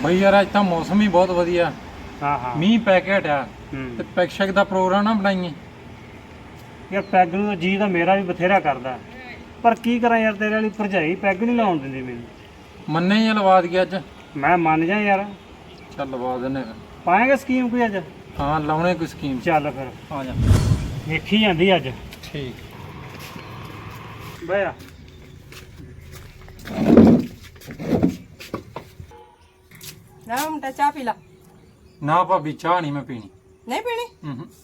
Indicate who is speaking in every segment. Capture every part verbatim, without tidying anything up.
Speaker 1: ਬਈ ਯਾਰ ਅੱਜ ਤਾਂ ਮੌਸਮ ਹੀ ਬਹੁਤ ਵਧੀਆ।
Speaker 2: ਹਾਂ ਹਾਂ
Speaker 1: ਮੀਂਹ ਪੈ ਕੇ ਹਟਿਆ
Speaker 2: ਹੂੰ।
Speaker 1: ਤੇ ਪੈਗ ਸ਼ੈਗ ਦਾ ਪ੍ਰੋਗਰਾਮ ਨਾ ਬਣਾਈਏ।
Speaker 2: ਯਾਰ ਪੈਗ ਨੂੰ ਤਾਂ ਜੀ ਤਾਂ ਮੇਰਾ ਵੀ ਬਥੇਰਾ ਕਰਦਾ, ਪਰ ਕੀ ਕਰਾਂ ਯਾਰ, ਤੇਰੇ ਵਾਲੀ ਭਰਜਾਈ ਪੈਗ ਨਹੀਂ ਲਾਉਣ ਦਿੰਦੀ ਮੈਨੂੰ।
Speaker 1: ਮੰਨੇ ਹੀ ਆ, ਲਵਾ ਦਈਏ ਅੱਜ।
Speaker 2: ਮੈਂ ਮੰਨ ਜਾ ਯਾਰ,
Speaker 1: ਚੱਲ ਲਵਾ ਦਿੰਨੇ ਫਿਰ।
Speaker 2: ਪਾਏਗਾ ਸਕੀਮ ਕੋਈ ਅੱਜ?
Speaker 1: ਹਾਂ ਲਾਉਣੇ ਕੋਈ ਸਕੀਮ।
Speaker 2: ਚੱਲ ਫਿਰ
Speaker 1: ਆ ਜਾ।
Speaker 2: ਵੇਖੀ ਜਾਂਦੀ ਅੱਜ।
Speaker 1: ਠੀਕ।
Speaker 2: ਬਹਿ ਆ।
Speaker 3: ਨਾ ਮੁੰਡਾ ਚਾਹ ਪੀ ਲਾ।
Speaker 1: ਨਾ ਭਾਬੀ ਚਾਹ ਨਹੀਂ ਮੈਂ ਪੀਣੀ।
Speaker 3: ਨਹੀਂ ਪੀਣੀ?
Speaker 1: ਹੂੰ ਹੂੰ।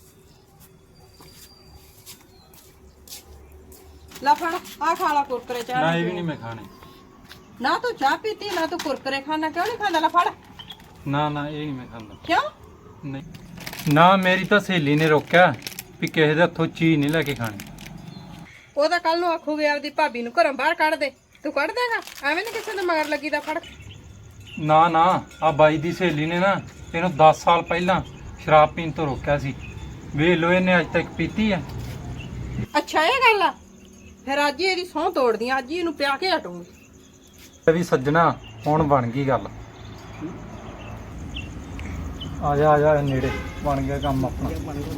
Speaker 3: ਲਾ ਫੜ ਆ ਖਾ ਲਾ ਕੁਰਕਰੇ ਚਾਹ।
Speaker 1: ਨਾ ਇਹ ਵੀ ਨਹੀਂ ਮੈਂ ਖਾਣੇ।
Speaker 3: ਨਾ ਤੂੰ ਚਾਹ ਪੀਤੀ ਨਾ ਤੂੰ ਕੁਰਕਰੇ ਖਾਣਾ, ਕਿਉਂ ਨਹੀਂ ਖਾਂਦਾ? ਲਾ ਫੜ।
Speaker 1: ਨਾ ਨਾ ਇਹ ਨਹੀਂ ਮੈਂ ਖਾਂਦਾ।
Speaker 3: ਕਿਉਂ?
Speaker 1: ਨਹੀਂ ਨਾ, ਮੇਰੀ ਤਾਂ ਸਹੇਲੀ ਨੇ ਰੋਕਿਆ ਵੀ ਕਿਸੇ ਦੇ ਹੱਥੋਂ ਚੀਜ਼ ਨਹੀਂ ਲੈ ਕੇ ਖਾਣੀ।
Speaker 3: ਉਹ ਤਾਂ ਕੱਲ ਨੂੰ ਆਖੂਗੇ ਆਪਦੀ ਭਾਬੀ ਨੂੰ ਘਰੋਂ ਬਾਹਰ ਕੱਢ ਦੇ, ਤੂੰ ਕੱਢ ਦੇਗਾ? ਐਵੇਂ ਨਹੀਂ ਕਿਸੇ ਦੇ ਮਗਰ ਲੱਗੀ ਦਾ। ਫੜ।
Speaker 1: ਨਾ ਨਾ, ਆ ਬਾਈ ਦੀ ਸਹੇਲੀ ਨੇ ਨਾ ਇਹਨੂੰ ਦਸ ਸਾਲ ਪਹਿਲਾਂ ਸ਼ਰਾਬ ਪੀਣ ਤੋਂ ਰੋਕਿਆ ਸੀ। ਵੇਖ ਲੋ ਇਹਨੇ ਅੱਜ ਤੱਕ ਪੀਤੀ ਆ।
Speaker 3: ਅੱਛਾ ਇਹ ਗੱਲ ਆ, ਫਿਰ ਅੱਜ ਹੀ ਇਹਦੀ ਸਹੁੰ ਤੋੜਦੀ ਆ, ਅੱਜ ਹੀ ਇਹਨੂੰ ਪਿਆ ਕੇ ਹਟੂੰਗੀ।
Speaker 1: ਇਹ ਵੀ ਸੱਜਣਾ ਹੁਣ ਬਣ ਗਈ ਗੱਲ। ਆ ਜਾ ਆ ਜਾ ਨੇੜੇ, ਬਣ ਗਿਆ ਕੰਮ ਆਪਣਾ।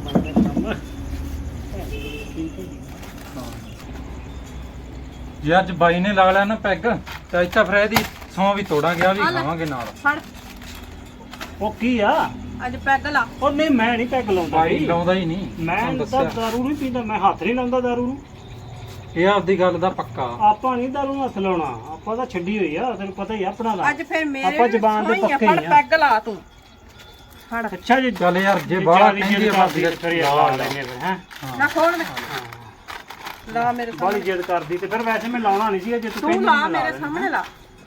Speaker 1: ਜੇ ਅੱਜ ਬਾਈ ਨੇ ਲਾ ਲਿਆ ਨਾ ਪੈਗ ਤੇ ਅੱਜ ਤਾਂ ਫਿਰ ਇਹਦੀ ਸੌਂ ਵੀ ਤੋੜਾਂਗੇ, ਆ ਵੀ
Speaker 3: ਆ ਲੈ।
Speaker 1: ਖਾਵਾਂਗੇ ਨਾਲ।
Speaker 3: ਫੜ
Speaker 2: ਉਹ ਕੀ ਆ?
Speaker 3: ਅੱਜ ਪੈਗ ਲਾ।
Speaker 2: ਉਹ ਨਹੀਂ, ਮੈਂ ਨਹੀਂ ਪੈਗ ਲਾਉਂਦਾ
Speaker 1: ਬਾਈ
Speaker 2: ਬਈ।
Speaker 1: ਲਾਉਂਦਾ ਹੀ ਨਹੀਂ,
Speaker 2: ਮੈਂ
Speaker 1: ਤੁਹਾਨੂੰ
Speaker 2: ਤਾਂ
Speaker 1: ਦੱਸਿਆ।
Speaker 2: ਦਾਰੂ ਨਹੀਂ ਪੀਂਦਾ, ਮੈਂ ਹੱਥ ਨਹੀਂ ਲਾਉਂਦਾ ਦਾਰੂ ਨੂੰ।
Speaker 1: ਇਹ ਆਪਦੀ ਗੱਲ ਦਾ ਪੱਕਾ।
Speaker 2: ਆਪਾਂ ਨਹੀਂ ਦਾਰੂ ਨੂੰ ਹੱਥ ਲਾਉਣਾ, ਆਪਾਂ ਤਾਂ ਛੱਡੀ ਹੋਈ ਆ, ਤੈਨੂੰ ਪਤਾ ਹੀ ਆ ਆਪਣਾ ਦਾ।
Speaker 3: ਅੱਜ ਫਿਰ ਮੇਰੇ
Speaker 2: ਆਪਾਂ
Speaker 3: ਵੀ
Speaker 2: ਜ਼ਬਾਨ ਦੇ
Speaker 3: ਸਹੁੰ ਹੀ ਆ,
Speaker 2: ਪੱਕੇ
Speaker 3: ਫੜ
Speaker 2: ਹੀ ਆ।
Speaker 3: ਪੈਗ ਲਾ ਤੂੰ। ਫੜ।
Speaker 2: ਅੱਛਾ ਜੀ,
Speaker 1: ਚੱਲ ਯਾਰ ਜੇ
Speaker 2: ਜੇ
Speaker 1: ਬਾਹਲਾ
Speaker 2: ਜ਼ਿਆਦਾ
Speaker 1: ਕਹਿੰਦੀ
Speaker 2: ਜਿੱਦ
Speaker 1: ਆ
Speaker 2: ਕਰਦੀ
Speaker 1: ਭਾਬੀ
Speaker 2: ਤੇ ਫਿਰ ਯਾਰ ਲਾ ਲੈਂਦੇ ਫਿਰ ਹੈਂ।
Speaker 3: ਨਾ ਖੋਲ ਦੇ। ਲਾ ਮੇਰੇ
Speaker 2: ਬਾਹਲੀ
Speaker 3: ਸਾਹਮਣੇ।
Speaker 2: ਜਿੱਦ ਕਰਦੀ ਤੇ ਫਿਰ ਵੈਸੇ ਮੈਂ ਲਾਉਣਾ ਨਹੀਂ ਸੀ, ਜੇ ਤੂੰ
Speaker 3: ਤੂੰ
Speaker 2: ਕਹਿੰਦੀ
Speaker 3: ਲਾ
Speaker 2: ਮੈਂ ਲਾ
Speaker 3: ਮੇਰੇ
Speaker 2: ਲੈਣਾ।
Speaker 3: ਸਾਹਮਣੇ ਲਾ।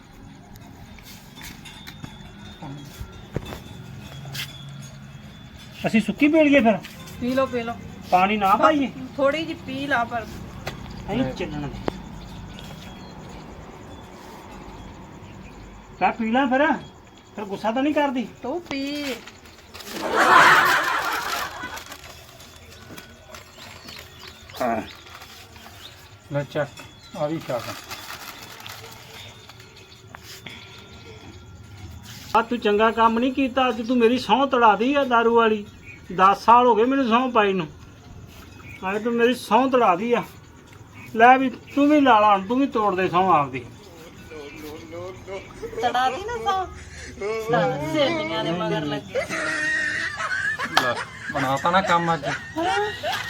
Speaker 2: ਅਸੀਂ ਸੁੱਕੀ ਪੀ ਲਈਏ ਫਿਰ?
Speaker 3: ਪੀ ਲੋ ਪੀ ਲੋ।
Speaker 2: ਪਾਣੀ ਨਾ ਪਾਈਏ?
Speaker 3: ਥੋੜੀ ਜਿਹੀ ਪੀ ਲਾ ਪਰ।
Speaker 2: ਨਹੀਂ ਚੱਲਣਾ ਦੇ। ਕਾ ਪੀ ਲਾਂ ਫਿਰ? ਫਿਰ ਗੁੱਸਾ ਤਾਂ ਨਹੀਂ ਕਰਦੀ?
Speaker 3: ਤੂੰ ਪੀ।
Speaker 2: ਹਾਂ।
Speaker 1: ਲੈ ਚੱਕ, ਆ ਵੀ ਛਕ।
Speaker 2: ਆ ਤੂੰ ਚੰਗਾ ਕੰਮ ਨਹੀਂ ਕੀਤਾ, ਅੱਜ ਤੂੰ ਮੇਰੀ ਸਹੁੰ ਤੜਾਦੀ ਆ ਦਾਰੂ ਵਾਲੀ। ਦਸ ਸਾਲ ਹੋ ਗਏ ਮੈਨੂੰ ਸਹੁੰ ਪਾਈ ਨੂੰ, ਅੱਜ ਤੂੰ ਮੇਰੀ ਸਹੁੰ ਤੜਾਦੀ ਆ। ਲੈ ਵੀ ਤੂੰ ਵੀ ਲਾ ਲਾ, ਤੂੰ ਵੀ ਤੋੜ ਦੇ ਸਹੁੰ ਆਪਦੀ।
Speaker 3: ਤੜਾ ਦੀ ਨਾ ਸੌ ਸੇਲੀਆਂ ਦੇ ਮਗਰ ਲੱਗੇ।
Speaker 1: ਲੈ ਬਣਾਤਾ ਨਾ ਕੰਮ ਅੱਜ।